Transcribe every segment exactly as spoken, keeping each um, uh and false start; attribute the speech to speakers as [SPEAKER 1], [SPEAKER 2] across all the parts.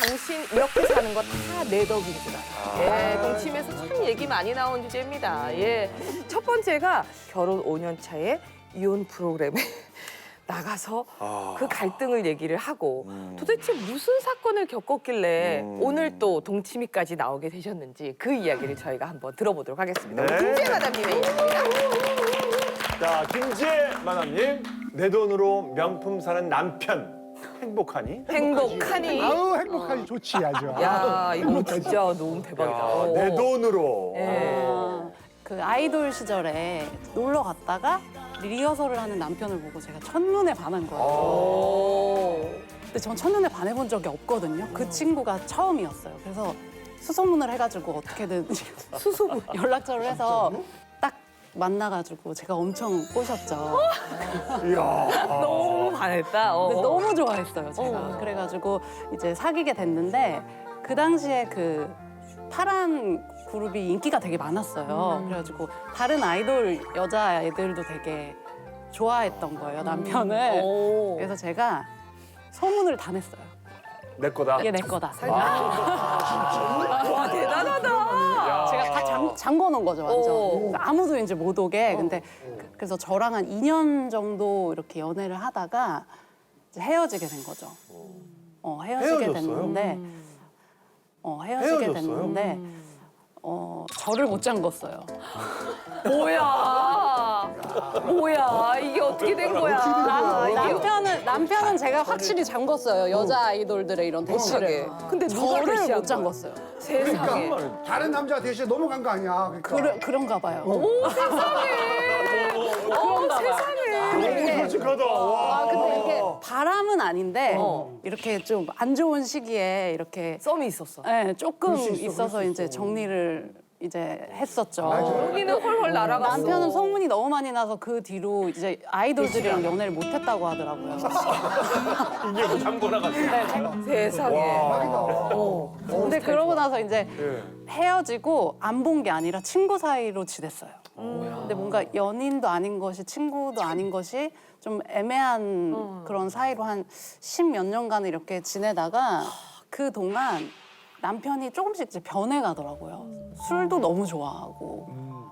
[SPEAKER 1] 당신 이렇게 사는 거 다 내 덕인 줄 알아. 예, 동침에서 참 얘기 많이 나온 주제입니다. 예, 첫 번째가 결혼 오 년 차에 이혼 프로그램에 나가서
[SPEAKER 2] 아.
[SPEAKER 1] 그 갈등을 얘기를 하고
[SPEAKER 2] 음.
[SPEAKER 1] 도대체 무슨 사건을 겪었길래
[SPEAKER 2] 음.
[SPEAKER 1] 오늘 또 동치미까지 나오게 되셨는지 그 이야기를 저희가 한번 들어보도록 하겠습니다.
[SPEAKER 2] 네.
[SPEAKER 1] 김지혜 마담님의 이야기입니다.
[SPEAKER 2] 자, 김지혜 마담님. 내 돈으로 명품 사는 남편. 행복하니?
[SPEAKER 1] 행복하니?
[SPEAKER 3] 아우 행복하니 좋지 아주.
[SPEAKER 1] 야, 이거 진짜 너무 대박이다.
[SPEAKER 2] 야,
[SPEAKER 1] 어.
[SPEAKER 2] 내 돈으로.
[SPEAKER 1] 예.
[SPEAKER 4] 그 아이돌 시절에 놀러 갔다가 리허설을 하는 남편을 보고 제가 첫눈에 반한 거예요.
[SPEAKER 1] 오.
[SPEAKER 4] 근데 전 첫눈에 반해본 적이 없거든요. 그 친구가 처음이었어요. 그래서 수소문을 해가지고 어떻게든 수소문 연락처를 해서 딱 만나가지고 제가 엄청 꼬셨죠.
[SPEAKER 2] 이야.
[SPEAKER 1] 너무 반했다. 어.
[SPEAKER 4] 근데 너무 좋아했어요, 제가.
[SPEAKER 1] 어.
[SPEAKER 4] 그래가지고 이제 사귀게 됐는데 그 당시에 그 파란 그룹이 인기가 되게 많았어요. 그래가지고 다른 아이돌 여자애들도 되게 좋아했던 거예요, 남편을.
[SPEAKER 1] 오.
[SPEAKER 4] 그래서 제가 소문을 다 냈어요.
[SPEAKER 2] 내 거다.
[SPEAKER 4] 이게 내 거다.
[SPEAKER 1] 와, 대단하다.
[SPEAKER 2] 야.
[SPEAKER 4] 제가 다 잠, 잠궈 놓은 거죠, 완전.
[SPEAKER 1] 오.
[SPEAKER 4] 그래서 아무도 이제 못 오게. 근데 그- 그래서 저랑 한 이 년 정도 이렇게 연애를 하다가 이제 헤어지게 된 거죠. 어, 헤어지게
[SPEAKER 2] 헤어졌어요?
[SPEAKER 4] 됐는데, 어, 헤어지게
[SPEAKER 2] 헤어졌어요?
[SPEAKER 4] 됐는데, 어, 저를 못 잠궜어요.
[SPEAKER 1] 뭐야. 뭐야. 이게 어떻게 된 거야.
[SPEAKER 4] 남,
[SPEAKER 1] 이게
[SPEAKER 4] 남편은 남편은 제가 확실히 잠궜어요. 여자 아이돌들의 이런
[SPEAKER 1] 대시하게.
[SPEAKER 4] 대시를.
[SPEAKER 1] 근데 누가
[SPEAKER 4] 저를
[SPEAKER 1] 대시한
[SPEAKER 4] 못
[SPEAKER 1] 거야?
[SPEAKER 4] 잠궜어요.
[SPEAKER 1] 세상에.
[SPEAKER 3] 그러니까 다른 남자 대신 넘어간 거 아니야. 그러니까.
[SPEAKER 4] 그러, 그런가 봐요.
[SPEAKER 1] 오, 세상에. 어, 세상에.
[SPEAKER 2] 너무 솔직하다. 와.
[SPEAKER 4] 아, 근데 이게 바람은 아닌데
[SPEAKER 1] 어.
[SPEAKER 4] 이렇게 좀 안 좋은 시기에 이렇게
[SPEAKER 1] 썸이 있었어.
[SPEAKER 4] 네, 조금
[SPEAKER 3] 그럴 수 있어,
[SPEAKER 4] 있어서
[SPEAKER 3] 그럴 수
[SPEAKER 4] 이제
[SPEAKER 3] 있어.
[SPEAKER 4] 정리를 이제 했었죠.
[SPEAKER 3] 맞아요.
[SPEAKER 1] 여기는 헐헐 날아갔어.
[SPEAKER 4] 남편은 소문이 너무 많이 나서 그 뒤로 이제 아이돌들이랑 연애를 못했다고 하더라고요.
[SPEAKER 2] 이게 뭐 잠궈 나갔어.
[SPEAKER 1] 세상에. 어.
[SPEAKER 4] 근데 그러고 나서 이제
[SPEAKER 2] 예.
[SPEAKER 4] 헤어지고 안 본 게 아니라 친구 사이로 지냈어요. 근데 뭔가 연인도 아닌 것이 친구도 아닌 것이 좀 애매한 그런 사이로 한 십몇 년간을 이렇게 지내다가 그 동안 남편이 조금씩 이제 변해가더라고요. 술도 너무 좋아하고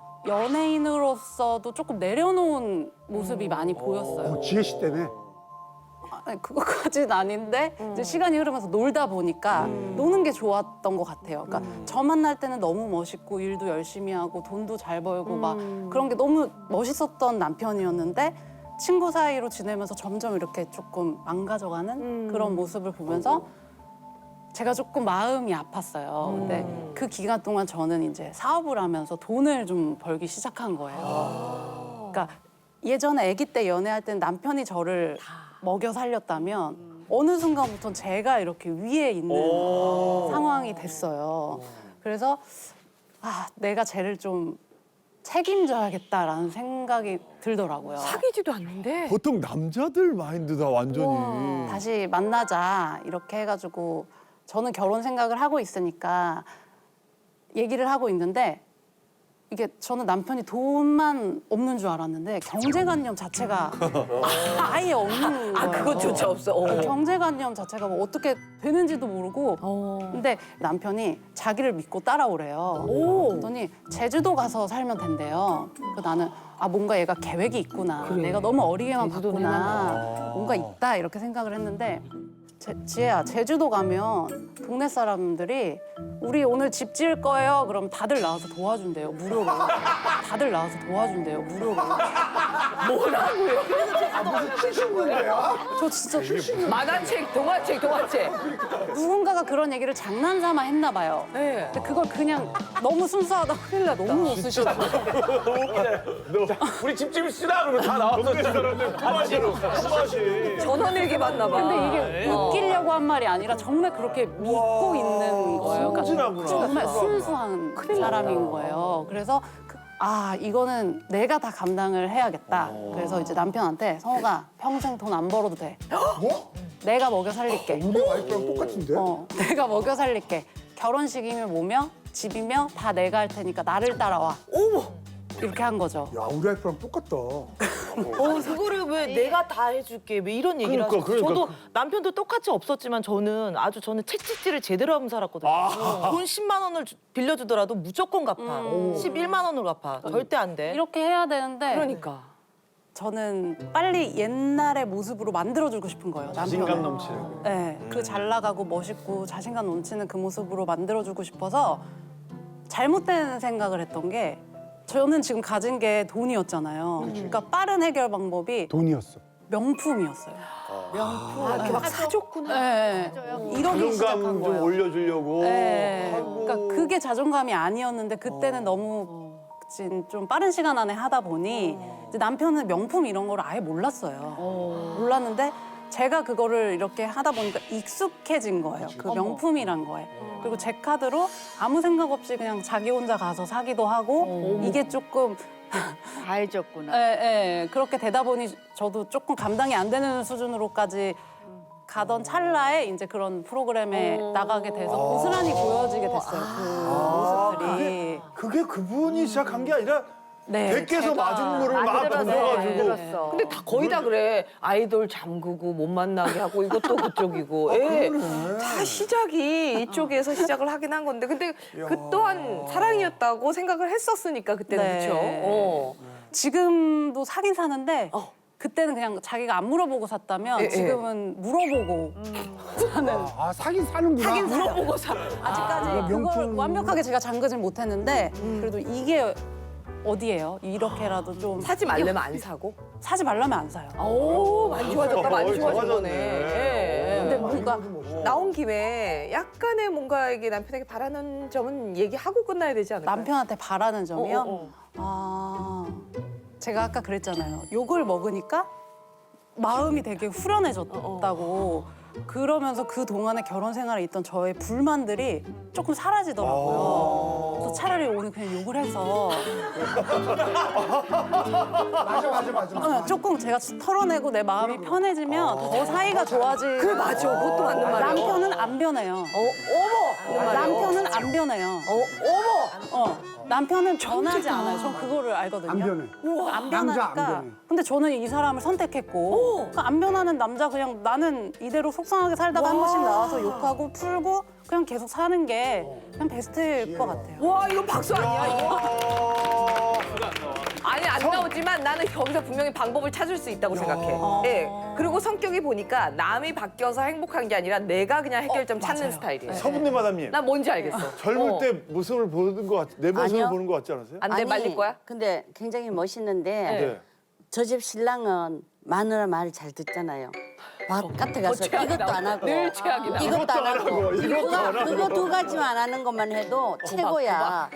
[SPEAKER 4] 연예인으로서도 조금 내려놓은 모습이 많이 보였어요.
[SPEAKER 3] 어, 지혜 씨 때문에.
[SPEAKER 4] 아니, 그것까지는 아닌데 이제 시간이 흐르면서 놀다 보니까 노는 게 좋았던 것 같아요. 그러니까 저 만날 때는 너무 멋있고 일도 열심히 하고 돈도 잘 벌고 막 그런 게 너무 멋있었던 남편이었는데 친구 사이로 지내면서 점점 이렇게 조금 망가져가는 그런 모습을 보면서 제가 조금 마음이 아팠어요. 근데 그 기간 동안 저는 이제 사업을 하면서 돈을 좀 벌기 시작한 거예요. 그러니까 예전에 아기 때 연애할 때는 남편이 저를 먹여 살렸다면 어느 순간부터 제가 이렇게 위에 있는
[SPEAKER 2] 오.
[SPEAKER 4] 상황이 됐어요. 그래서 아, 내가 쟤를 좀 책임져야겠다라는 생각이 들더라고요.
[SPEAKER 1] 사귀지도 않는데.
[SPEAKER 5] 보통 남자들 마인드다 완전히.
[SPEAKER 4] 다시 만나자 이렇게 해가지고 저는 결혼 생각을 하고 있으니까 얘기를 하고 있는데 이게 저는 남편이 돈만 없는 줄 알았는데 경제관념 자체가 아예 없는 거예요.
[SPEAKER 1] 아, 그것조차 없어. 어.
[SPEAKER 4] 경제관념 자체가 뭐 어떻게 되는지도 모르고
[SPEAKER 1] 어.
[SPEAKER 4] 근데 남편이 자기를 믿고 따라오래요.
[SPEAKER 1] 오.
[SPEAKER 4] 그랬더니 제주도 가서 살면 된대요. 그 나는 아 뭔가 얘가 계획이 있구나. 내가 너무 어리게만
[SPEAKER 1] 제주도는
[SPEAKER 4] 봤구나. 뭔가 있다 이렇게 생각을 했는데 제, 지혜야 제주도 가면 동네 사람들이 우리 오늘 집 지을 거예요. 그럼 다들 나와서 도와준대요. 무료로. 다들 나와서 도와준대요. 무료로.
[SPEAKER 1] 뭐라고요?
[SPEAKER 4] 저 진짜
[SPEAKER 1] 만화책, 동화책, 동화책.
[SPEAKER 4] 누군가가 그런 얘기를 장난삼아 했나 봐요.
[SPEAKER 1] 네.
[SPEAKER 4] 근데 그걸 그냥 너무 순수하다 큰일 나 너무 웃으시더라고요.
[SPEAKER 2] 우리 집집이 쓰다 그러면 다 나왔어. 동네 사람들 품앗이. 품앗이.
[SPEAKER 1] 전원일기 봤나 봐.
[SPEAKER 4] 근데 이게
[SPEAKER 1] 어.
[SPEAKER 4] 웃기려고 한 말이 아니라 정말 그렇게 믿고 있는 거예요. 그러니까
[SPEAKER 2] 순진하구나.
[SPEAKER 4] 정말 순수한 사람인 거예요. 그래서 그, 아 이거는 내가 다 감당을 해야겠다. 그래서 이제 남편한테 성호가 평생 돈 안 벌어도 돼.
[SPEAKER 3] 뭐?
[SPEAKER 4] 내가 먹여 살릴게.
[SPEAKER 3] 우리 와이프랑 똑같은데?
[SPEAKER 4] 어, 내가 먹여 살릴게. 결혼식이면 뭐며 집이며 다 내가 할 테니까 나를 따라와.
[SPEAKER 1] 어머.
[SPEAKER 4] 이렇게 한 거죠.
[SPEAKER 3] 야 우리 와이프랑 똑같다.
[SPEAKER 6] 어, 그거를 왜 내가 다 해줄게 왜 이런 얘기를
[SPEAKER 2] 그러니까,
[SPEAKER 6] 하셨어요.
[SPEAKER 2] 그러니까.
[SPEAKER 6] 저도 남편도 똑같이 없었지만 저는 아주 저는 채찍질을 제대로 하면 살았거든요. 돈 십만 원을 주- 빌려주더라도 무조건 갚아. 십일만 원을 갚아. 절대 안 돼.
[SPEAKER 4] 이렇게 해야 되는데
[SPEAKER 1] 그러니까.
[SPEAKER 4] 저는 빨리 옛날의 모습으로 만들어주고 싶은 거예요.
[SPEAKER 2] 자신감
[SPEAKER 4] 남편을.
[SPEAKER 2] 넘치는.
[SPEAKER 4] 네, 그 잘 나가고 멋있고 자신감 넘치는 그 모습으로 만들어주고 싶어서 잘못된 생각을 했던 게 저는 지금 가진 게 돈이었잖아요. 그러니까 빠른 해결 방법이
[SPEAKER 3] 돈이었어.
[SPEAKER 4] 명품이었어요.
[SPEAKER 1] 아, 이렇게 막 사줬구나.
[SPEAKER 4] 네, 이러기 시작한
[SPEAKER 2] 자존감 좀
[SPEAKER 4] 거예요.
[SPEAKER 2] 올려주려고.
[SPEAKER 4] 네,
[SPEAKER 2] 하고.
[SPEAKER 4] 그러니까 그게 자존감이 아니었는데 그때는 너무 진- 좀 빠른 시간 안에 하다 보니 이제 남편은 명품 이런 걸 아예 몰랐어요. 몰랐는데 제가 그거를 이렇게 하다 보니까 익숙해진 거예요. 그 명품이란 거에. 그리고 제 카드로 아무 생각 없이 그냥 자기 혼자 가서 사기도 하고 이게 조금
[SPEAKER 7] 다 해줬구나.
[SPEAKER 4] 예, 예, 그렇게 되다 보니 저도 조금 감당이 안 되는 수준으로까지 가던 찰나에 이제 그런 프로그램에 나가게 돼서 고스란히 보여지게 됐어요. 그 모습들이.
[SPEAKER 5] 그게 그분이 시작한 게 아니라
[SPEAKER 4] 네,
[SPEAKER 5] 댁에서
[SPEAKER 4] 제가
[SPEAKER 5] 맞은 거를 막
[SPEAKER 1] 만들어서
[SPEAKER 5] 던져가지고.
[SPEAKER 1] 만들었어. 근데 다 거의 다 그래. 아이돌 잠그고 못 만나게 하고 이것도 그쪽이고. 예. 다 시작이 이쪽에서 시작을 하긴 한 건데. 근데 그 또한 사랑이었다고 생각을 했었으니까 그때는
[SPEAKER 4] 네.
[SPEAKER 1] 그렇죠. 어.
[SPEAKER 4] 지금도 사긴 사는데
[SPEAKER 1] 어.
[SPEAKER 4] 그때는 그냥 자기가 안 물어보고 샀다면
[SPEAKER 1] 예, 예.
[SPEAKER 4] 지금은 물어보고 사는.
[SPEAKER 3] 아 사긴 사는구나.
[SPEAKER 1] 하긴 물어보고 사.
[SPEAKER 4] 아직까지
[SPEAKER 3] 아,
[SPEAKER 4] 그걸
[SPEAKER 3] 명품.
[SPEAKER 4] 완벽하게 제가 잠그진 못했는데 그래도 이게 어디예요? 이렇게라도 좀
[SPEAKER 1] 사지 말려면 안 사고.
[SPEAKER 4] 사지 말라면 안 사요.
[SPEAKER 1] 오, 많이 좋아졌다. 많이
[SPEAKER 2] 어이,
[SPEAKER 1] 좋아진
[SPEAKER 2] 좋아졌네.
[SPEAKER 1] 거네. 예, 예.
[SPEAKER 4] 근데 뭔가
[SPEAKER 1] 나온 김에 약간의 뭔가에게 남편에게 바라는 점은 얘기하고 끝나야 되지 않을까요?
[SPEAKER 4] 남편한테 바라는 점이요?
[SPEAKER 1] 어, 어, 어.
[SPEAKER 4] 아, 제가 아까 그랬잖아요. 욕을 먹으니까 마음이 되게 후련해졌다고. 그러면서 그 동안에 결혼 생활에 있던 저의 불만들이 조금 사라지더라고요. 그래서 차라리 오늘 그냥 욕을 해서
[SPEAKER 3] 맞아 맞아 맞아.
[SPEAKER 4] 어, 조금 제가 털어내고 내 마음이 편해지면 더 사이가 좋아지.
[SPEAKER 1] 그래, 맞아. 그것도 맞는 말이야.
[SPEAKER 4] 남편은 안 변해요.
[SPEAKER 1] 어, 어머!
[SPEAKER 4] 남편은 안 변해요.
[SPEAKER 1] 어, 어머!
[SPEAKER 4] 어, 남편은 변하지 않아요. 전 그거를 알거든요.
[SPEAKER 3] 안 변해.
[SPEAKER 4] 안
[SPEAKER 3] 남자 안
[SPEAKER 4] 변하니까.
[SPEAKER 3] 변해.
[SPEAKER 4] 근데 저는 이 사람을 선택했고 그러니까 안 변하는 남자 그냥 나는 이대로 속상하게 살다가 한 번씩 나와서 욕하고 풀고 그냥 계속 사는 게 그냥 베스트일 것 같아요.
[SPEAKER 1] 와, 이건 박수 아니야, 이거? 아니, 안 나오지만 나는 거기서 분명히 방법을 찾을 수 있다고 생각해. 예. 그리고 성격이 보니까 남이 바뀌어서 행복한 게 아니라 내가 그냥 해결점
[SPEAKER 4] 어,
[SPEAKER 1] 찾는
[SPEAKER 4] 맞아요.
[SPEAKER 1] 스타일이에요.
[SPEAKER 5] 서분님 마담님.
[SPEAKER 1] 나 뭔지 알겠어.
[SPEAKER 5] 젊을
[SPEAKER 1] 어.
[SPEAKER 5] 때 모습을 보는 것 같, 내 모습을
[SPEAKER 7] 아니요.
[SPEAKER 5] 보는 것 같지 않으세요?
[SPEAKER 1] 안 돼, 말릴 거야?
[SPEAKER 7] 근데 굉장히 멋있는데
[SPEAKER 5] 네.
[SPEAKER 7] 저 집 신랑은 마누라 말 잘 듣잖아요. 바깥에 가서 이것도 안 하고
[SPEAKER 1] 늘 최악이다.
[SPEAKER 7] 이것도 안 하고
[SPEAKER 5] 이것도 안
[SPEAKER 7] 그거, 그거 두 가지만 안 하는 것만 해도 최고야.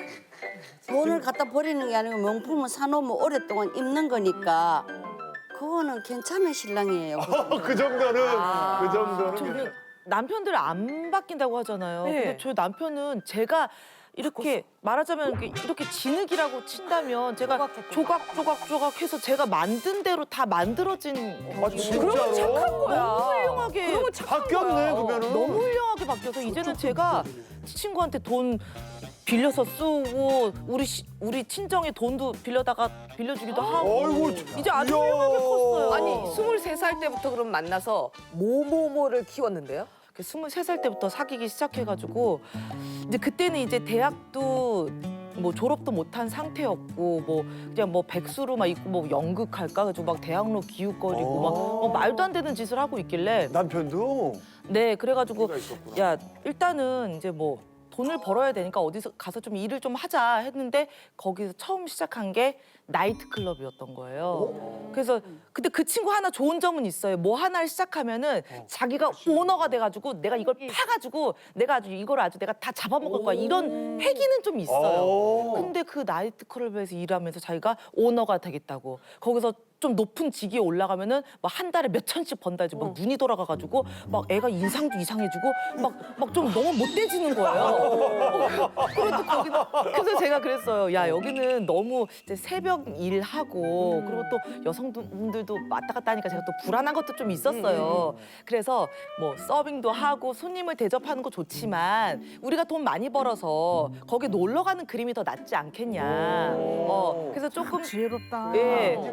[SPEAKER 7] 돈을 갖다 버리는 게 아니고 명품은 사놓으면 오랫동안 입는 거니까 그거는 괜찮은 신랑이에요.
[SPEAKER 5] 그 정도는 그 정도는.
[SPEAKER 6] 저는 남편들 안 바뀐다고 하잖아요.
[SPEAKER 1] 네.
[SPEAKER 6] 근데 저 남편은 제가 이렇게 말하자면 이렇게, 이렇게 진흙이라고 친다면 제가 조각 조각 조각 해서 제가 만든 대로 다 만들어진
[SPEAKER 5] 아, 진짜로?
[SPEAKER 1] 그러면 착한 거야.
[SPEAKER 6] 너무 훌륭하게
[SPEAKER 1] 그러면 착한
[SPEAKER 5] 바뀌었네
[SPEAKER 1] 거야.
[SPEAKER 5] 그러면은.
[SPEAKER 6] 너무 훌륭하게 바뀌어서 이제는 제가 친구한테 돈 빌려서 쓰고 우리 시- 우리 친정에 돈도 빌려다가 빌려주기도 하고
[SPEAKER 5] 어이구,
[SPEAKER 6] 이제 아주
[SPEAKER 5] 이야.
[SPEAKER 6] 훌륭하게 컸어요.
[SPEAKER 1] 아니, 스물세 살 때부터 그럼 만나서 뭐뭐뭐를 키웠는데요?
[SPEAKER 6] 스물세 살 때부터 사귀기 시작해가지고 이제 그때는 이제 대학도 뭐 졸업도 못한 상태였고 뭐 그냥 뭐 백수로 막 있고 뭐 연극할까 가지고 막 대학로 기웃거리고 막 뭐 말도 안 되는 짓을 하고 있길래
[SPEAKER 5] 남편도
[SPEAKER 6] 네 그래가지고
[SPEAKER 5] 그가 있었구나.
[SPEAKER 6] 야 일단은 이제 뭐 돈을 벌어야 되니까 어디서 가서 좀 일을 좀 하자 했는데 거기서 처음 시작한 게 나이트 클럽이었던 거예요. 그래서 근데 그 친구 하나 좋은 점은 있어요. 뭐 하나를 시작하면은 자기가 오너가 돼가지고 내가 이걸 파가지고 내가 아주 이걸 아주 내가 다 잡아먹을 거야 이런 패기는 좀 있어요.
[SPEAKER 5] 오.
[SPEAKER 6] 근데 그 나이트 클럽에서 일하면서 자기가 오너가 되겠다고 거기서 좀 높은 직위에 올라가면은 막 한 달에 몇 천씩 번다 이제 막 눈이 돌아가가지고 막 애가 인상도 이상해지고 막 막 좀 너무 못돼지는 거예요. 그래도 거기는 그래서 제가 그랬어요. 야 여기는 너무 이제 새벽 일하고 그리고 또 여성분들도 왔다 갔다 하니까 제가 또 불안한 것도 좀 있었어요. 그래서 뭐 서빙도 하고 손님을 대접하는 거 좋지만 우리가 돈 많이 벌어서 거기 놀러 가는 그림이 더 낫지 않겠냐. 어 그래서 조금
[SPEAKER 3] 지혜롭다.
[SPEAKER 6] 예.
[SPEAKER 3] 이제
[SPEAKER 6] 그래서
[SPEAKER 3] 만들기 시작했네.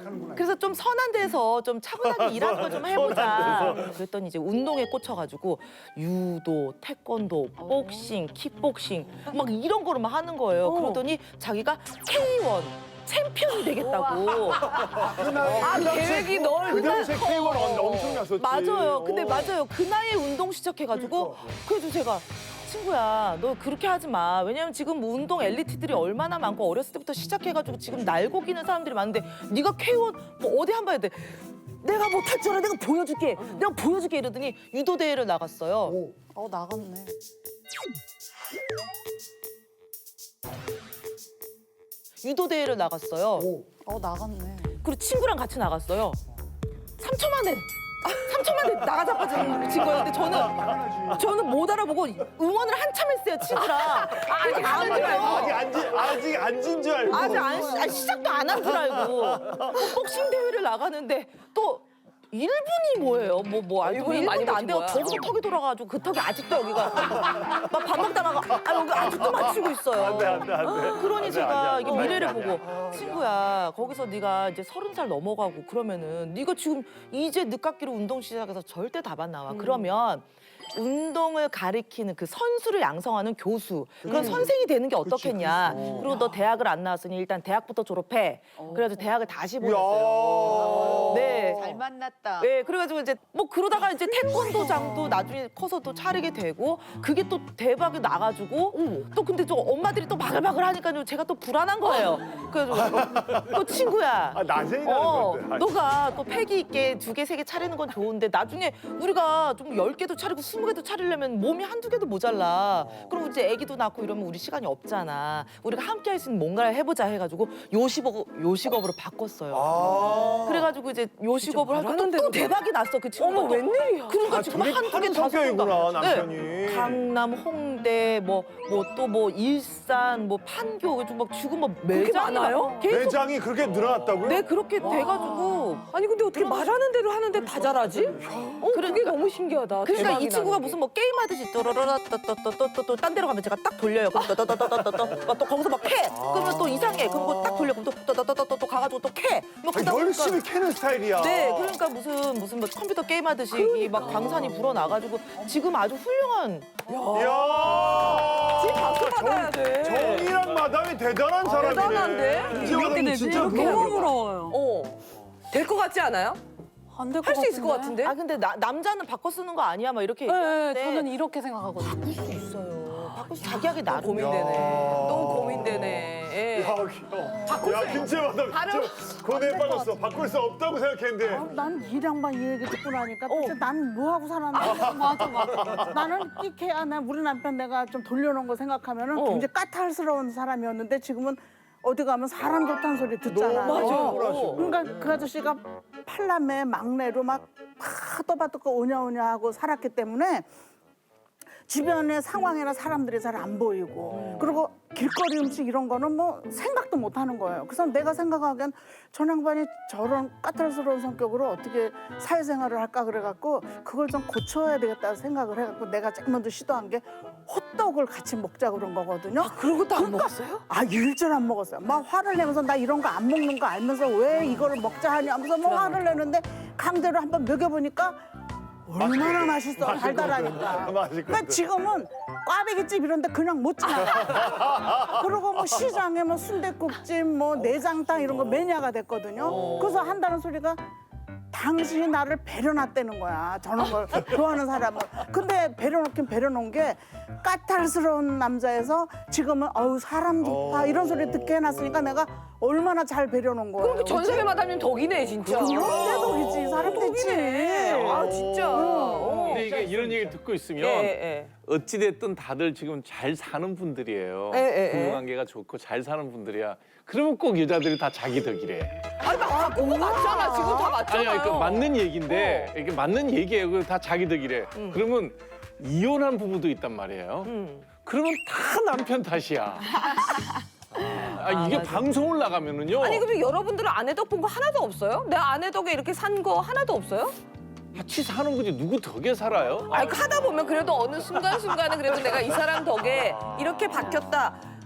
[SPEAKER 6] 그래서 좀 선한 데서 좀 차분하게 일하는 걸 좀 해보자. 그랬더니 이제 운동에 꽂혀가지고 유도, 태권도, 복싱, 킥복싱 막 이런 거를 막 하는 거예요. 그러더니 자기가 케이 원 챔피언이 되겠다고.
[SPEAKER 1] 아, 계획이 넓.
[SPEAKER 5] 그 당시에 케이원 엄청 났었지.
[SPEAKER 6] 맞아요. 근데
[SPEAKER 5] 어.
[SPEAKER 6] 맞아요. 그 나이에 운동 시작해가지고 그래도 제가 친구야, 너 그렇게 하지 마. 왜냐면 지금 뭐 운동 엘리트들이 얼마나 많고 어렸을 때부터 시작해가지고 지금 날고 기는 사람들이 많은데 네가 케이 원 뭐 어디 한 번 해야 돼. 내가 못할 줄 알아. 내가 보여줄게. 내가 보여줄게 이러더니 유도 대회를 나갔어요.
[SPEAKER 4] 어 나갔네.
[SPEAKER 6] 유도 대회를 나갔어요.
[SPEAKER 4] 어 나갔네.
[SPEAKER 6] 그리고 친구랑 같이 나갔어요. 삼 초 만에 삼 초 만에 나가자빠진 친 거예요. 근데 저는 저는 못 알아보고 응원을 한참 했어요, 친구랑. 아직 안
[SPEAKER 5] 아직
[SPEAKER 6] 했어요.
[SPEAKER 5] 앉은 아직 앉은 줄 알고.
[SPEAKER 6] 아직 안, 시- 아니, 시작도 안 한 줄 알고 복싱 대회를 나가는데 또 일 분이 뭐예요? 뭐 뭐 아니
[SPEAKER 1] 분이
[SPEAKER 6] 일
[SPEAKER 1] 많이
[SPEAKER 6] 분도 안 돼요.
[SPEAKER 1] 버틴 거야.
[SPEAKER 6] 거기서 턱이 돌아가지고 그 턱이 아직도 여기가 막 밥 먹다가 아 여기 아직도 맞추고 있어요.
[SPEAKER 5] 안돼 안돼 안돼.
[SPEAKER 6] 그러니 제가 이게 미래를
[SPEAKER 5] 아니야.
[SPEAKER 6] 보고 친구야 거기서 네가 이제 서른 살 넘어가고 그러면은 네가 지금 이제 늦깎이로 운동 시작해서 절대 답 안 나와. 그러면 운동을 가리키는 그 선수를 양성하는 교수 그런 선생이 되는 게 어떻겠냐. 그리고 너 대학을 안 나왔으니 일단 대학부터 졸업해. 그래가지고 대학을 다시 보냈어요. 네.
[SPEAKER 8] 잘 만났다.
[SPEAKER 6] 네, 그래가지고 이제 뭐 그러다가 이제 태권도장도 나중에 커서도 차리게 되고 그게 또 대박이 나가지고 또 근데 또 엄마들이 또 바글바글 하니까요 제가 또 불안한 거예요. 그래가지고 또 친구야.
[SPEAKER 5] 아 낮에 일하는
[SPEAKER 6] 어,
[SPEAKER 5] 건데.
[SPEAKER 6] 너가 또 패기 있게 두 개, 세 개 차리는 건 좋은데 나중에 우리가 좀 열 개도 차리고 스무 개도 차리려면 몸이 한두 개도 모자라. 그럼 이제 아기도 낳고 이러면 우리 시간이 없잖아. 우리가 함께 할 수 있는 뭔가를 해보자 해가지고 요식업, 요식업으로 바꿨어요.
[SPEAKER 5] 아.
[SPEAKER 6] 그래가지고 이제 요식업을 하고 또,
[SPEAKER 1] 말하는
[SPEAKER 6] 또
[SPEAKER 1] 대로
[SPEAKER 6] 대박이 났어 그 친구가.
[SPEAKER 1] 어머,
[SPEAKER 6] 또.
[SPEAKER 1] 웬일이야.
[SPEAKER 6] 그러니까
[SPEAKER 5] 아,
[SPEAKER 6] 지금
[SPEAKER 5] 되게
[SPEAKER 6] 한두 개
[SPEAKER 5] 파는
[SPEAKER 6] 다섯 개
[SPEAKER 5] 성격이구나,
[SPEAKER 6] 다.
[SPEAKER 5] 남편이.
[SPEAKER 6] 네. 강남, 홍대, 뭐 뭐 또 뭐 일산, 뭐 판교, 좀 막 지금 뭐 매장이
[SPEAKER 1] 많아요?
[SPEAKER 6] 막 계속
[SPEAKER 5] 매장이 그렇게 늘어났다고요?
[SPEAKER 6] 네 그렇게 돼가지고.
[SPEAKER 1] 아니 근데 어떻게 말하는 대로 하는데 다 잘하지? 어, 그게 너무 신기하다.
[SPEAKER 6] 그러니까
[SPEAKER 1] 대박이
[SPEAKER 6] 이 친구가
[SPEAKER 1] 나는 게.
[SPEAKER 6] 무슨 뭐 게임하듯이 또또또또또또또 딴 데로 가면 제가 딱 돌려요. 그럼 또또또또또또 또 거기서 막 캐. 그러면 또 이상해. 그럼 그거 딱 돌려. 그럼 또또또또또 또 가가지고 또 캐. 뭐
[SPEAKER 5] 아니,
[SPEAKER 6] 그러다
[SPEAKER 5] 열심히
[SPEAKER 6] 보니까
[SPEAKER 5] 캐는 스타일이야.
[SPEAKER 6] 네, 그러니까 무슨 무슨 뭐 컴퓨터 게임 하듯이 이막 광산이 불어나가지고 지금 아주 훌륭한.
[SPEAKER 5] 이야.
[SPEAKER 1] 지금 박수 받아야 돼.
[SPEAKER 5] 정이랑 마담이 대단한 사람이네.
[SPEAKER 1] 대단한데?
[SPEAKER 5] 이렇게 되지? 진짜
[SPEAKER 4] 너무 부러워요.
[SPEAKER 1] 어. 될 것 같지 않아요?
[SPEAKER 4] 안 될 것
[SPEAKER 1] 할
[SPEAKER 4] 같은데.
[SPEAKER 1] 수 있을 것 같은데?
[SPEAKER 6] 아 근데 나, 남자는 바꿔 쓰는 거 아니야? 막 이렇게
[SPEAKER 4] 네,
[SPEAKER 6] 얘기하는데
[SPEAKER 4] 저는 이렇게 생각하거든요.
[SPEAKER 6] 바꿀 수 있어요. 바꿀 수 자기 하기 나름.
[SPEAKER 1] 고민되네. 너무 고민되네. 예.
[SPEAKER 5] 야, 귀여워. 야, 김치 마담 진짜 고뇌에 빠졌어. 바꿀 수 없다고 생각했는데.
[SPEAKER 9] 난 이 양반 이 얘기 듣고 나니까
[SPEAKER 1] 어.
[SPEAKER 9] 도대체 나는 뭐 하고 살았나? 맞아 맞아. 나는 끼케야 나 우리 남편 내가 좀 돌려놓은 거 생각하면은
[SPEAKER 1] 어.
[SPEAKER 9] 굉장히 까탈스러운 사람이었는데 지금은 어디 가면 사람 좋다는 소리 듣잖아.
[SPEAKER 1] 맞아요.
[SPEAKER 9] 어. 그러니까 그 아저씨가 팔남매 막내로 막 떠받듣고 오냐오냐 하고 살았기 때문에 주변의 상황이나 사람들이 잘 안 보이고 그리고 길거리 음식 이런 거는 뭐 생각도 못 하는 거예요. 그래서 내가 생각하기엔 저 양반이 저런 까탈스러운 성격으로 어떻게 사회생활을 할까 그래갖고 그걸 좀 고쳐야 되겠다 생각을 해갖고 내가 제일 먼저 시도한 게 호떡을 같이 먹자 그런 거거든요.
[SPEAKER 1] 그러고 또 안 먹었어요?
[SPEAKER 9] 아 일절 안 먹었어요. 막 화를 내면서 나 이런 거 안 먹는 거 알면서 왜 이거를 먹자 하냐 하면서 뭐 화를 내는데 강제로 한번 먹여보니까 얼마나 맛있어 달달하니까.
[SPEAKER 5] 맛있거든.
[SPEAKER 9] 그러니까 지금은 꽈배기집 이런데 그냥 못 지나가. 그리고 뭐 시장에 뭐 순댓국집 뭐 내장탕 이런 거 매니아가 됐거든요. 그래서 한다는 소리가 당신이 나를 배려놨다는 거야. 저런 걸 좋아하는 사람을. 근데 배려놓긴 배려놓은 게 까탈스러운 남자에서 지금은 어우 사람 좋다 이런 소리 듣게 해놨으니까 내가 얼마나 잘 배려놓은 거예요.
[SPEAKER 1] 그렇게 전세계 마담님 덕이네 진짜.
[SPEAKER 9] 그럼 내 덕이지 사람 됐지.
[SPEAKER 1] 덕이네. 아 진짜. 어.
[SPEAKER 10] 근데 이게 이런 얘기를 듣고 있으면
[SPEAKER 1] 예, 예.
[SPEAKER 10] 어찌됐든 다들 지금 잘 사는 분들이에요.
[SPEAKER 1] 예, 예, 예.
[SPEAKER 10] 부부관계가 좋고 잘 사는 분들이야. 그러면 꼭 여자들이 다 자기 덕이래.
[SPEAKER 1] 아니 막 그거 맞잖아. 지금 다 맞잖아요.
[SPEAKER 10] 아니, 그러니까 맞는 얘기인데 이게 맞는 얘기예요. 그거 다 자기 덕이래. 그러면 이혼한 부부도 있단 말이에요. 그러면 다 남편 탓이야. 아, 이게 방송을 나가면은요.
[SPEAKER 1] 아니 그럼 여러분들은 아내 덕 본 거 하나도 없어요? 내 아내 덕에 이렇게 산 거 하나도 없어요?
[SPEAKER 10] 같이 사는 거지 누구 덕에 살아요?
[SPEAKER 1] 아니 하다 보면 그래도 어느 순간순간은 그래도 내가 이 사람 덕에 이렇게 바뀌었다.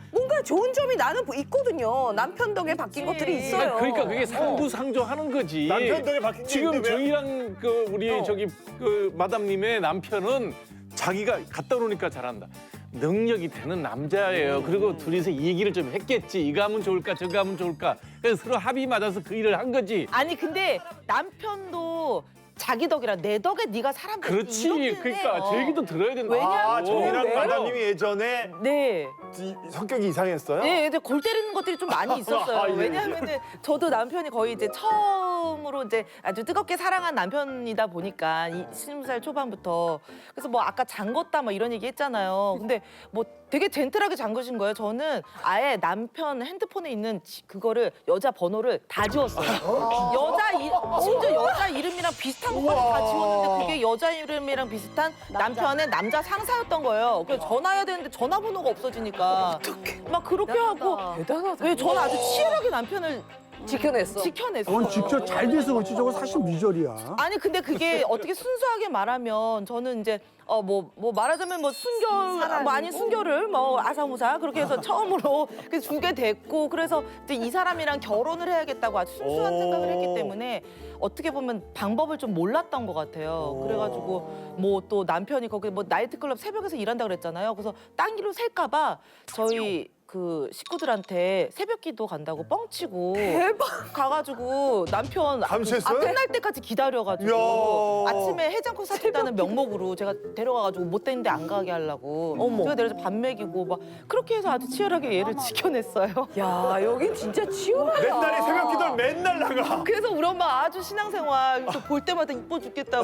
[SPEAKER 1] 뭔가 좋은 점이 나는 있거든요. 남편 덕에 바뀐 것들이 있어요.
[SPEAKER 10] 그러니까 그게 상부상조하는 거지.
[SPEAKER 5] 남편 덕에 바뀐 게
[SPEAKER 10] 지금
[SPEAKER 5] 있는데 왜?
[SPEAKER 10] 저희랑 그 우리 저기 그 마담님의 남편은 자기가 갖다 놓으니까 잘한다. 능력이 되는 남자예요. 그리고 둘이서 이 얘기를 좀 했겠지. 이거 하면 좋을까, 저거 하면 좋을까. 그래서 서로 합의 맞아서 그 일을 한 거지.
[SPEAKER 6] 아니 근데 남편도 자기 덕이라 내 덕에 네가 사람 됐지.
[SPEAKER 10] 그렇지.
[SPEAKER 6] 이렇게는
[SPEAKER 10] 그러니까
[SPEAKER 6] 해요.
[SPEAKER 10] 제 얘기도 들어야 된다.
[SPEAKER 5] 아, 저희랑
[SPEAKER 6] 왜요?
[SPEAKER 5] 마담님이 예전에
[SPEAKER 6] 네.
[SPEAKER 5] 이- 성격이 이상했어요?
[SPEAKER 6] 네, 이제 골 때리는 것들이 좀 많이 있었어요.
[SPEAKER 5] 아, 예, 예.
[SPEAKER 6] 왜냐하면은 저도 남편이 거의 이제 처음으로 이제 아주 뜨겁게 사랑한 남편이다 보니까 이 스무 살 초반부터 그래서 뭐 아까 잠궜다 뭐 이런 얘기 했잖아요. 근데 뭐 되게 젠틀하게 잠그신 거예요. 저는 아예 남편 핸드폰에 있는 지- 그거를 여자 번호를 다 지웠어요. 여자 이, 심지어 여자 이름이랑 비슷한 것까지 다 지웠는데 그게 여자 이름이랑 비슷한 남편의 남자 상사였던 거예요. 그래서 전화해야 되는데 전화번호가 없어지니까 막 그렇게 하고
[SPEAKER 1] 대단하다.
[SPEAKER 6] 왜 저는 아주 치열하게 남편을
[SPEAKER 1] 지켜냈어.
[SPEAKER 6] 지켜냈어요.
[SPEAKER 3] 그건 직접 잘 돼서 그렇지 저거 사실 미절이야.
[SPEAKER 6] 아니 근데 그게 어떻게 순수하게 말하면 저는 이제 어 뭐 뭐 말하자면 뭐 순결 뭐 아닌 순결을 뭐 아사무사 그렇게 해서 처음으로 그 주게 됐고 그래서 이제 이 사람이랑 결혼을 해야겠다고 아주 순수한
[SPEAKER 5] 오.
[SPEAKER 6] 생각을 했기 때문에 어떻게 보면 방법을 좀 몰랐던 것 같아요. 그래가지고 뭐 또 남편이 거기 뭐 나이트클럽 새벽에서 일한다 그랬잖아요. 그래서 딴 길로 셀까봐 저희 그 식구들한테 새벽기도 간다고 뻥치고 가가지고 남편
[SPEAKER 5] 밤샜어요?
[SPEAKER 6] 아, 끝날 때까지 기다려가지고
[SPEAKER 5] 이야.
[SPEAKER 6] 아침에 해장국 사준다는 명목으로 제가 데려가가지고 못 되는데 안 가게 하려고 제가 내려서 밥 먹이고 막 그렇게 해서 아주 치열하게 얘를 지켜냈어요.
[SPEAKER 1] 야, 여긴 진짜 치열하다.
[SPEAKER 5] 내 딸이 새벽 기도를 맨날 나가.
[SPEAKER 6] 그래서 우리 엄마 아주 신앙생활 그래서 볼 때마다 이뻐 죽겠다고.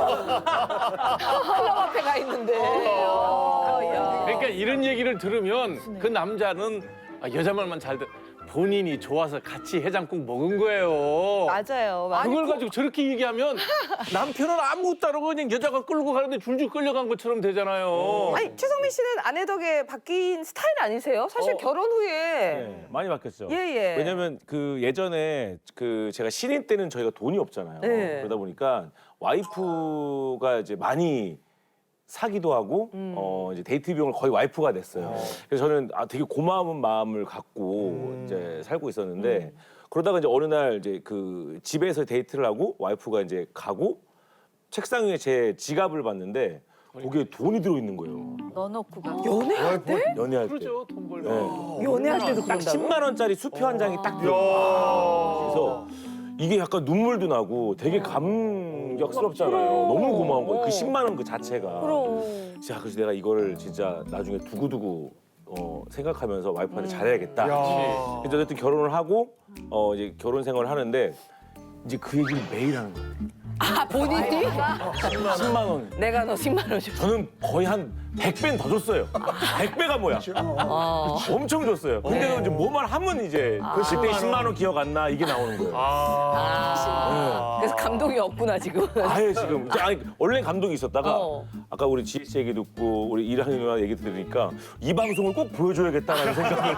[SPEAKER 1] 하나님 앞에 가 있는데. 야, 야.
[SPEAKER 10] 그러니까 이런 얘기를 들으면 그 남자는 아, 여자 말만 잘 듣. 본인이 좋아서 같이 해장국 먹은 거예요.
[SPEAKER 6] 맞아요. 맞아요.
[SPEAKER 10] 그걸 가지고 저렇게 얘기하면 남편은 아무것도 안 하고 그냥 여자가 끌고 가는데 줄줄 끌려간 것처럼 되잖아요.
[SPEAKER 1] 아니, 최성민 씨는 아내 덕에 바뀐 스타일 아니세요? 사실
[SPEAKER 2] 어.
[SPEAKER 1] 결혼 후에.
[SPEAKER 2] 네, 많이 바뀌었죠.
[SPEAKER 1] 예, 예.
[SPEAKER 2] 왜냐면 그 예전에 그 제가 신인 때는 저희가 돈이 없잖아요.
[SPEAKER 1] 네.
[SPEAKER 2] 그러다 보니까 와이프가 이제 많이 사기도 하고
[SPEAKER 1] 음.
[SPEAKER 2] 어 이제 데이트 비용을 거의 와이프가 냈어요. 그래서 저는 아 되게 고마운 마음을 갖고 이제 살고 있었는데 그러다가 이제 어느 날 이제 그 집에서 데이트를 하고 와이프가 이제 가고 책상 위에 제 지갑을 봤는데 거기에 돈이 들어 있는 거예요.
[SPEAKER 6] 넣어놓고 가.
[SPEAKER 1] 연애할 때?
[SPEAKER 2] 연애할 때.
[SPEAKER 10] 그러죠, 돈 벌면.
[SPEAKER 2] 네.
[SPEAKER 1] 연애할 때도
[SPEAKER 2] 딱
[SPEAKER 1] 그런다고?
[SPEAKER 2] 십만 원짜리 수표 한 장이 딱 들어. 그래서 이게 약간 눈물도 나고 되게 감격스럽잖아요. 너무 고마운 거예요. 그 십만 원 그 자체가.
[SPEAKER 1] 그럼.
[SPEAKER 2] 자, 그래서 내가 이거를 진짜 나중에 두고두고 어, 생각하면서 와이프한테 잘해야겠다.
[SPEAKER 5] 야.
[SPEAKER 2] 그래서 어쨌든 결혼을 하고 어, 이제 결혼 생활을 하는데 이제 그 얘기를 매일 하는 거예요.
[SPEAKER 1] 아, 본인이?
[SPEAKER 2] 십만 원.
[SPEAKER 1] 내가 너 십만 원 줘.
[SPEAKER 2] 저는 거의 한 백 배는 더 줬어요. 백 배가 뭐야? 엄청 줬어요. 근데도 이제 뭐만 하면 이제 그때 십만 원 기억 안 나 이게 나오는 거예요.
[SPEAKER 1] 아. 그래서 감동이 없구나, 지금.
[SPEAKER 2] 아예 지금 아니 원래 감동이 있었다가
[SPEAKER 1] 어.
[SPEAKER 2] 아까 우리 지혜 씨 얘기 듣고 우리 이랑이 누나 얘기 들으니까 이 방송을 꼭 보여줘야겠다라는 생각을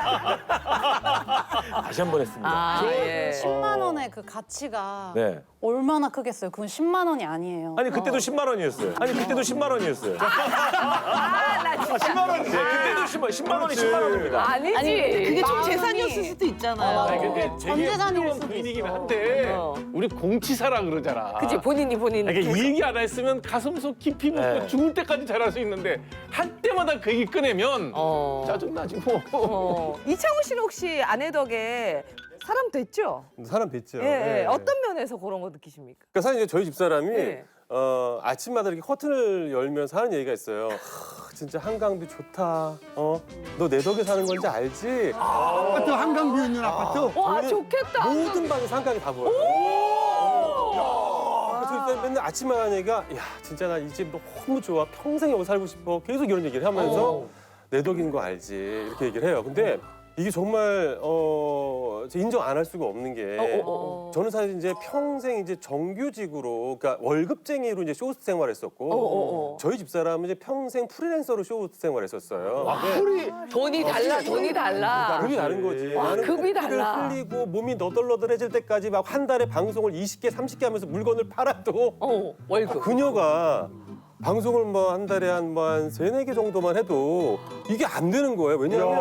[SPEAKER 2] 다시 한 번 했습니다.
[SPEAKER 1] 아, 예.
[SPEAKER 4] 십만 원의 그 가치가
[SPEAKER 2] 네.
[SPEAKER 4] 얼마나 크겠어요. 그건 십만 원이 아니에요.
[SPEAKER 2] 아니 그때도 십만 원이었어요. 아니 그때도 십만 원이었어요.
[SPEAKER 1] 아, 나 진짜.
[SPEAKER 2] 십만 원. 네, 그때도 십만 십만 원이 십만 원입니다.
[SPEAKER 1] 아니지.
[SPEAKER 6] 아니 그게 좀
[SPEAKER 4] 마음이-
[SPEAKER 6] 재산이었을 수도 있잖아요.
[SPEAKER 4] 아,
[SPEAKER 10] 아니, 근데
[SPEAKER 4] 전
[SPEAKER 10] 되게
[SPEAKER 4] 재산일
[SPEAKER 10] 훌륭한
[SPEAKER 4] 수도
[SPEAKER 10] 부인이긴
[SPEAKER 4] 있어.
[SPEAKER 10] 한데
[SPEAKER 1] 어.
[SPEAKER 10] 우리 공치사라 그러잖아.
[SPEAKER 1] 그치, 본인이 본인.
[SPEAKER 10] 이게 이 얘기 안 했으면 가슴속 깊이 묻고
[SPEAKER 2] 네.
[SPEAKER 10] 죽을 때까지 잘할 수 있는데 할 때마다 그 얘기 꺼내면
[SPEAKER 1] 어.
[SPEAKER 10] 짜증나지 뭐.
[SPEAKER 1] 어. 이창호 씨는 혹시 아내 덕에 사람 됐죠?
[SPEAKER 8] 사람 뵀죠.
[SPEAKER 1] 예, 예.
[SPEAKER 8] 예.
[SPEAKER 1] 어떤 면에서 그런 거 느끼십니까?
[SPEAKER 8] 그러니까 사실 이제 저희 집사람이
[SPEAKER 1] 네.
[SPEAKER 8] 어, 아침마다 이렇게 커튼을 열면서 하는 얘기가 있어요. 하, 진짜 한강뷰 좋다. 어, 너 내 덕에 사는 건지 알지?
[SPEAKER 3] 아파트 한강뷰 있는 아파트.
[SPEAKER 1] 와,
[SPEAKER 8] 저는
[SPEAKER 1] 좋겠다.
[SPEAKER 8] 모든 방에서 한강이 다 보여요. 그래서 일단 맨날 아침마다 하는 얘기가 야 진짜 나 이 집 너무 좋아. 평생 여기 살고 싶어. 계속 이런 얘기를 하면서 내 덕인 거 알지. 이렇게 얘기를 해요. 근데 이게 정말 어 인정 안 할 수가 없는 게
[SPEAKER 1] 어, 어, 어.
[SPEAKER 8] 저는 사실 이제 평생 이제 정규직으로 그러니까 월급쟁이로 이제 쇼호스트 생활했었고
[SPEAKER 1] 어, 어, 어.
[SPEAKER 8] 저희 집사람은 이제 평생 프리랜서로 쇼호스트 생활했었어요.
[SPEAKER 5] 풀이
[SPEAKER 1] 돈이 달라, 돈이 달라.
[SPEAKER 8] 급이 다른 거지.
[SPEAKER 1] 와,
[SPEAKER 8] 나는
[SPEAKER 1] 급이
[SPEAKER 8] 코피를
[SPEAKER 1] 달라.
[SPEAKER 8] 흘리고 몸이 너덜너덜해질 때까지 막 한 달에 방송을 이십 개, 삼십 개 하면서 물건을 팔아도
[SPEAKER 1] 어, 월급.
[SPEAKER 8] 그녀가 방송을 뭐 한 달에 한 뭐 한 세네 개 정도만 해도 이게 안 되는 거예요. 왜냐하면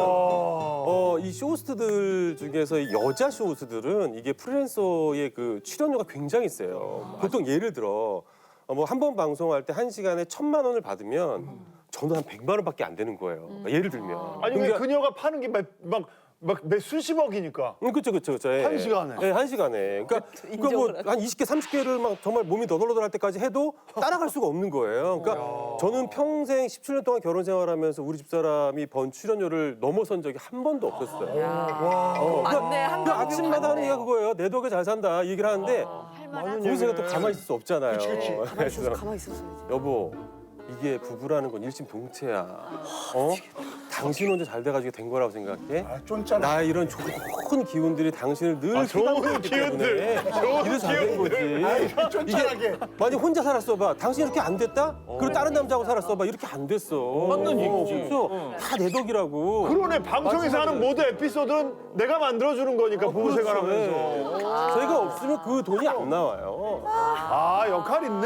[SPEAKER 8] 어, 이 쇼호스트들 중에서 이 여자 쇼호스트들은 이게 프리랜서의 그 출연료가 굉장히 세요. 보통 예를 들어 뭐 한 번 방송할 때 한 시간에 천만 원을 받으면 저는 한 백만 원밖에 안 되는 거예요. 그러니까 예를 들면.
[SPEAKER 5] 아니 왜 그녀가 파는 게 막막몇 수십억이니까.
[SPEAKER 8] 음, 그렇죠, 그렇죠, 그렇죠.
[SPEAKER 5] 한 시간에?
[SPEAKER 8] 네, 한 시간에. 그러니까, 그러니까 뭐 한 이십 개, 삼십 개를 막 정말 몸이 너덜너덜할 때까지 해도 따라갈 수가 없는 거예요. 그러니까 저는 평생 십칠 년 동안 결혼 생활하면서 우리 집사람이 번 출연료를 넘어선 적이 한 번도 없었어요. 어, 그러니까
[SPEAKER 1] 맞네,
[SPEAKER 8] 그
[SPEAKER 1] 한강뷰
[SPEAKER 8] 아침마다 하는
[SPEAKER 1] 맞네.
[SPEAKER 8] 얘기가 그거예요. 내 덕에 잘 산다 이 얘기를 하는데 거기서 또 가만히 있을 수 없잖아요.
[SPEAKER 1] 가만히 있어서 가만히 있었어야지.
[SPEAKER 8] 여보, 이게 부부라는 건 일심동체야. 어? 당신 혼자 잘 돼가지고 된 거라고 생각해?
[SPEAKER 3] 아, 쫀잖아.
[SPEAKER 8] 나 이런 좋은 기운들이 당신을 늘
[SPEAKER 5] 아, 좋은
[SPEAKER 8] 휘감고 있기
[SPEAKER 5] 기운들.
[SPEAKER 8] 때문에
[SPEAKER 5] 좋은
[SPEAKER 8] 이래서 잘 된 거지.
[SPEAKER 5] 기운들.
[SPEAKER 3] 쫀쫀하게.
[SPEAKER 8] 만약 혼자 살았어봐. 당신 이렇게 안 됐다? 그리고 다른 남자하고 살았어봐. 이렇게 안 됐어.
[SPEAKER 10] 맞는 얘기지.
[SPEAKER 8] 그렇죠? 다 내 덕이라고.
[SPEAKER 5] 그러네. 방송에서 하는 모든 에피소드는 내가 만들어주는 거니까 부부
[SPEAKER 8] 그렇죠.
[SPEAKER 5] 생활하면서.
[SPEAKER 8] 네. 저희가 없으면 그 돈이 안 나와요.
[SPEAKER 5] 아 역할 있네.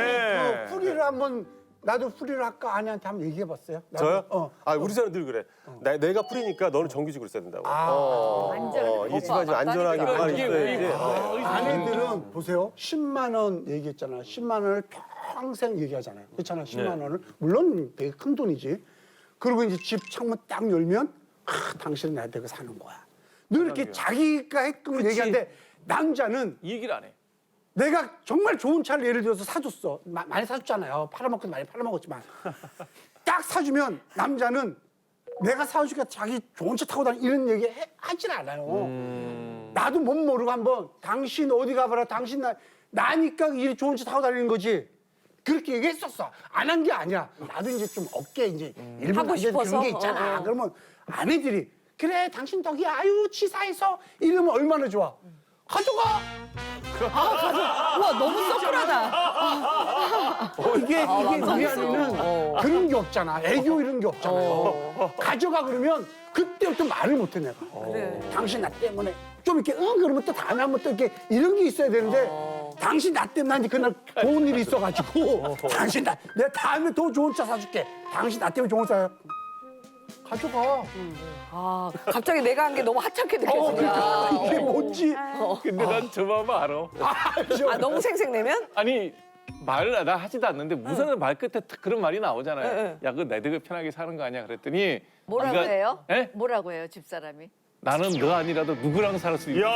[SPEAKER 3] 그 풀이를 한번 나도 풀이를 할까 아내한테 한번 얘기해봤어요. 나도.
[SPEAKER 8] 저요?
[SPEAKER 3] 어.
[SPEAKER 8] 아, 우리 사람 늘 그래. 나, 내가 풀이니까 너는 정규직으로 있어야 된다고.
[SPEAKER 3] 아.
[SPEAKER 8] 어, 어, 이 집안이 좀 안전하게
[SPEAKER 1] 맞다니까.
[SPEAKER 8] 가만히
[SPEAKER 10] 이게
[SPEAKER 8] 있어야지.
[SPEAKER 10] 왜-
[SPEAKER 8] 어.
[SPEAKER 3] 아내들은 보세요. 십만 원 얘기했잖아. 십만 원을 평생 얘기하잖아요. 그렇잖아. 십만 원을. 물론 되게 큰 돈이지. 그리고 이제 집 창문 딱 열면 아, 당신은 나 되고 사는 거야. 늘 이렇게 자기가 했끔 얘기하는데 남자는
[SPEAKER 10] 이 얘기를 안 해.
[SPEAKER 3] 내가 정말 좋은 차를 예를 들어서 사줬어. 마- 많이 사줬잖아요. 팔아먹고 많이 팔아먹었지만. 딱 사주면 남자는 내가 사주니까 자기 좋은 차 타고 다니 이런 얘기 해, 하질 않아요. 나도 못 모르고 한번 당신 어디 가봐라. 당신 나, 나니까 이 좋은 차 타고 다니는 거지. 그렇게 얘기했었어. 안 한 게 아니야. 나도 이제 좀 업계 이제 일본
[SPEAKER 1] 하고
[SPEAKER 3] 남자들 그런
[SPEAKER 1] 싶어서?
[SPEAKER 3] 게 있잖아.
[SPEAKER 1] 어, 어.
[SPEAKER 3] 그러면 아내들이 그래 당신 덕이야. 아유 치사해서 이러면 얼마나 좋아. 가져가.
[SPEAKER 6] 우와 너무 서클하다.
[SPEAKER 3] 어, 이게 이게 우리 안에는 그런 게 없잖아. 애교 이런 게 없잖아요. 가져가 그러면 그때부터 말을 못해 내가.
[SPEAKER 1] 그래.
[SPEAKER 3] 당신 나 때문에 좀 이렇게 응 그러면 또 다음에 한번 또 이렇게 이런 게 있어야 되는데 당신 나 때문에 난 이제 그날 좋은 일이 있어가지고 당신 나 내가 다음에 더 좋은 차 사줄게. 당신 나 때문에 좋은 차 가져가.
[SPEAKER 1] 아, 갑자기 내가 한 게 너무 하찮게
[SPEAKER 3] 어,
[SPEAKER 1] 느껴진다.
[SPEAKER 3] 그러니까 이게 뭔지.
[SPEAKER 10] 근데 난 저 마음 알아.
[SPEAKER 1] 아, 너무 생색내면?
[SPEAKER 10] 아니 말을 나 하지도 않는데 무슨 말 끝에 딱 그런 말이 나오잖아요.
[SPEAKER 1] 네, 네.
[SPEAKER 10] 야, 그거 내 덕에 편하게 사는 거 아니야? 그랬더니
[SPEAKER 11] 뭐라고
[SPEAKER 10] 네가-
[SPEAKER 11] 해요?
[SPEAKER 10] 예?
[SPEAKER 11] 뭐라고 해요, 집사람이?
[SPEAKER 10] 나는 너 아니라도 누구랑 살 수 있는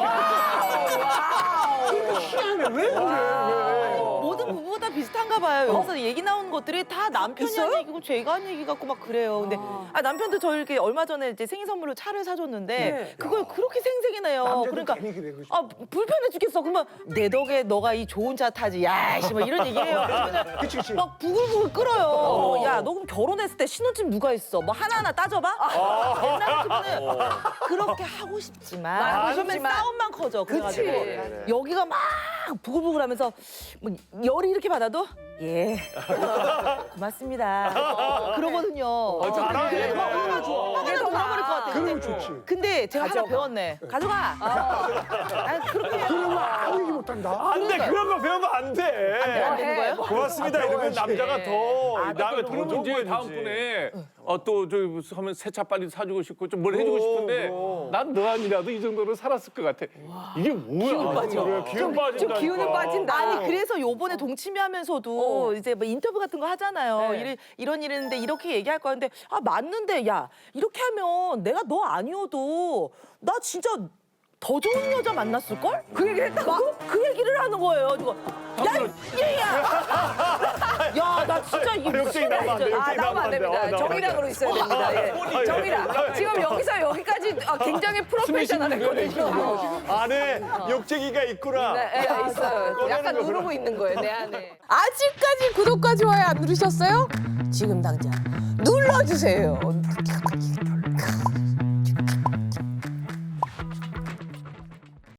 [SPEAKER 3] 희한해. 왜 그래?
[SPEAKER 6] 모든 부부가 다 비슷한가 봐요. 여기서 얘기 나오는 것들이 다 남편이
[SPEAKER 1] 있어요?
[SPEAKER 6] 한 얘기고 제가 한 얘기 같고 막 그래요. 근데 아, 남편도 저 이렇게 얼마 전에 이제 생일 선물로 차를 사줬는데
[SPEAKER 1] 네.
[SPEAKER 6] 그걸 그렇게 생색이 내요.
[SPEAKER 3] 남자들
[SPEAKER 6] 그러니까
[SPEAKER 3] 괜히 그래, 그렇지.
[SPEAKER 6] 아 불편해 죽겠어. 그러면 내 덕에 너가 이 좋은 차 타지. 야씨 막 이런 얘기해요. 그러면
[SPEAKER 3] 그치 그치.
[SPEAKER 6] 막 부글부글 끓어요. 야, 너 그럼 결혼했을 때 신혼집 누가 있어? 뭐 하나하나 따져봐? 옛날 같으면은 그렇게 하고 싶지만
[SPEAKER 1] 하고
[SPEAKER 6] 그러면
[SPEAKER 1] 싶지만.
[SPEAKER 6] 싸움만 커져. 그래가지고
[SPEAKER 1] 그치.
[SPEAKER 6] 여기가 막 부글부글하면서 뭐 열이 이렇게 받아도 예 고맙습니다. 그러거든요.
[SPEAKER 5] 잘하네.
[SPEAKER 6] 막 얼마나 좋아. 막 그냥 돌아버릴 것 같아.
[SPEAKER 3] 그러면
[SPEAKER 6] 근데,
[SPEAKER 3] 좋지.
[SPEAKER 6] 근데 제가 하나 배웠네. 가져가. 아, 그렇게 해요.
[SPEAKER 3] 그러면 아무 얘기 못한다.
[SPEAKER 5] 안 돼. 그런 거 배우면 안 돼.
[SPEAKER 6] 안 되는 거예요?
[SPEAKER 5] 고맙습니다. 이러면 남자가 더
[SPEAKER 10] 아,
[SPEAKER 5] 남의 더
[SPEAKER 10] 그러면
[SPEAKER 5] 좋은
[SPEAKER 10] 이제
[SPEAKER 5] 거
[SPEAKER 10] 다음번에 어, 또 저기 무슨 하면 새 차 빨리 사주고 싶고 좀 뭘 해주고 싶은데 난 너 아니라도 이 정도로 살았을 것 같아. 이게 뭐야?
[SPEAKER 1] 기운 빠져.
[SPEAKER 10] 그래, 기운 빠진다.
[SPEAKER 1] 좀 기운이 빠진다.
[SPEAKER 6] 아니 그래서 요번에 동치미 하면서도 이제 뭐 인터뷰 같은 거 하잖아요.
[SPEAKER 1] 네.
[SPEAKER 6] 이런 이런 일인데 이렇게 얘기할 거는데 아 맞는데 야 이렇게 하면 내가 너 아니어도 나 진짜 더 좋은 여자 만났을 걸? 그 얘기를 했다고? 그 얘기를 하는 거예요. 이거 야 얘야. 야 나 진짜 이
[SPEAKER 5] 욕쟁이 나오면 안 돼.
[SPEAKER 1] 아,
[SPEAKER 5] 욕쟁이
[SPEAKER 1] 나오면 안 됩니다.
[SPEAKER 5] 돼. 어,
[SPEAKER 1] 정이랑으로 있어야 됩니다. 예. 정이랑. 지금 여기서 여기까지 아, 굉장히 프로페셔널했거든요.
[SPEAKER 5] 안에 욕쟁이가 있구나.
[SPEAKER 1] 네, 예, 있어요.
[SPEAKER 5] 꺼내는
[SPEAKER 1] 약간
[SPEAKER 5] 거구나.
[SPEAKER 1] 누르고 있는 거예요, 내 안에.
[SPEAKER 12] 아직까지 구독과 좋아요 안 누르셨어요? 지금 당장 눌러주세요.